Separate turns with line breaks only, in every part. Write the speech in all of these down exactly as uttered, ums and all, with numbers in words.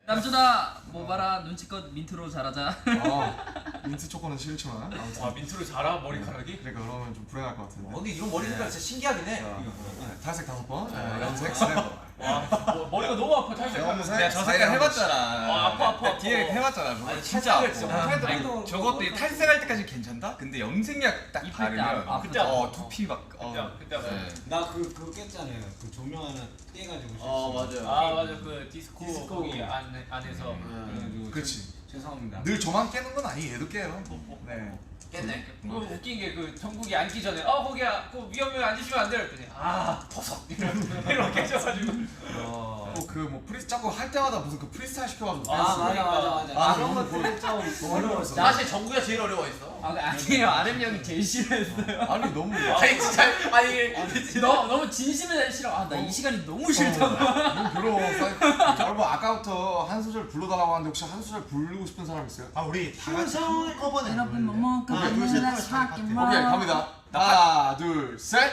남준아 뭐 봐라 눈치껏 민트로 잘하자.
아, 민트 초코는 싫지만 아무튼.
와 민트로 자라 머리카락이?
그러니까 그러면 좀 불행할 것 같은데.
어, 근데 이런 머리 색깔 진짜 신기하긴 해.
자, 네, 탈색 다섯 번, 네, 염색 세 번.
와 뭐, 머리가 너무 아파 탈색하면.
염색
내가 저
사이에
색깔
한
해봤잖아.
아, 아파, 아파, 아파.
디렉 해봤잖아. 저거
아니,
진짜 아파.
탈색을 진짜
아,
못하겠다.
아니,
또
저것도
뭐
탈색할 때까지 괜찮다? 근데 염색약 딱
입을 때
바르면
아-
그때
어
아파.
두피 막 어.
그때 아파, 그때 아파.
네.
나 그 그거 깼잖아요. 그 조명 하나 떼가지고.
어 맞아요.
아 맞아 그 디스코,
디스코.
거기 안에, 안에서
음.
그래가지고
그렇지.
죄- 죄송합니다.
늘 저만 깨는 건 아니에요. 얘도 깨요. 네.
깼네.
그 웃긴 게 그 정국이 앉기 전에 어 거기야 그 위험해 앉으시면 안 돼요 그랬더니 아 버섯 이렇게 해줘가지고
또 그 뭐 프리 자꾸 할 때마다 무슨 그 프리스타일 시켜가지고.
아
댄스.
맞아 맞아 맞아.
아,
그런
너무
것들이 좀
너무 어려웠어.
사실 정국이가 제일 어려워했어.
아 아니에요 아름 형이 제일 싫어했어요.
아니 너무.
아니 진짜 아니
너 너무 진심에 싫어. 아 나 이 시간이 너무 싫다고.
너무 괴로워. 사이- 여러분 아까부터 한 소절 불러달라고 하는데 혹시 한 소절 부르고 싶은 사람 있어요?
아 우리 다 같이 한 꺼번에.
여러분 뭐 먹고
오케이, 둘, 셋, 하나, 하나,
오케이 갑니다. 하나 둘 셋.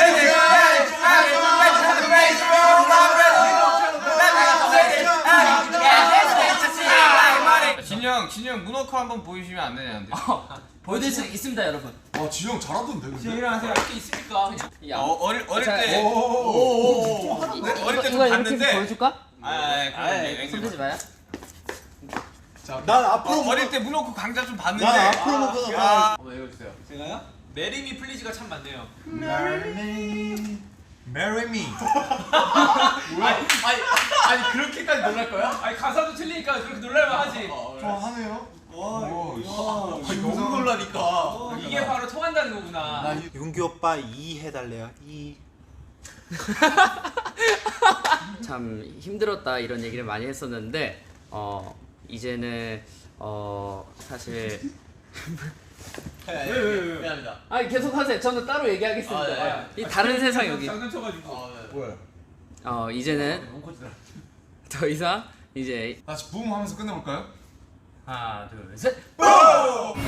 진영, 진영 문워크 한번 보여주시면 안 되냐는데.
보여드릴 수 있습니다 여러분.
와 지영 잘하던데 근데.
일어나세요.
할 게 있으니까
야
어, 어릴 어릴
자,
때
오오오오.
이-
네,
이거
어릴 때좀
이거 이렇게
봤는데.
보여줄까?
아, 아, 그럼
손
앵글
대지 마요.
난 앞으로
어, 어릴 때 문워크 강좌 좀 봤는데.
난 앞으로 먹고
야.
가.
한번 읽어주세요.
제가요?
메리미 플리즈가 참 많네요.
Marry me, marry me.
아니 아니 아니 그렇게까지 놀랄 거야?
아니 가사도 틀리니까 그렇게 놀랄만 하지.
좋아하네요.
와,
오,
와,
씨.
너무 놀라니까.
이게 바로 통한다는 거구나.
나 이-
윤기 오빠 이 해달래요. 이.
참 힘들었다 이런 얘기를 많이 했었는데 어 이제는 어 사실
왜왜왜 미안합니다.
아 계속 하세요. 저는 따로 얘기하겠습니다.
아, 네.
이 다른 세상 여기.
장난쳐가지고.
어, 네.
뭐야?
어 이제는
롱코트다.
더 이상 이제
다시 붐 하면서 끝내볼까요?
하나 둘 셋.
오!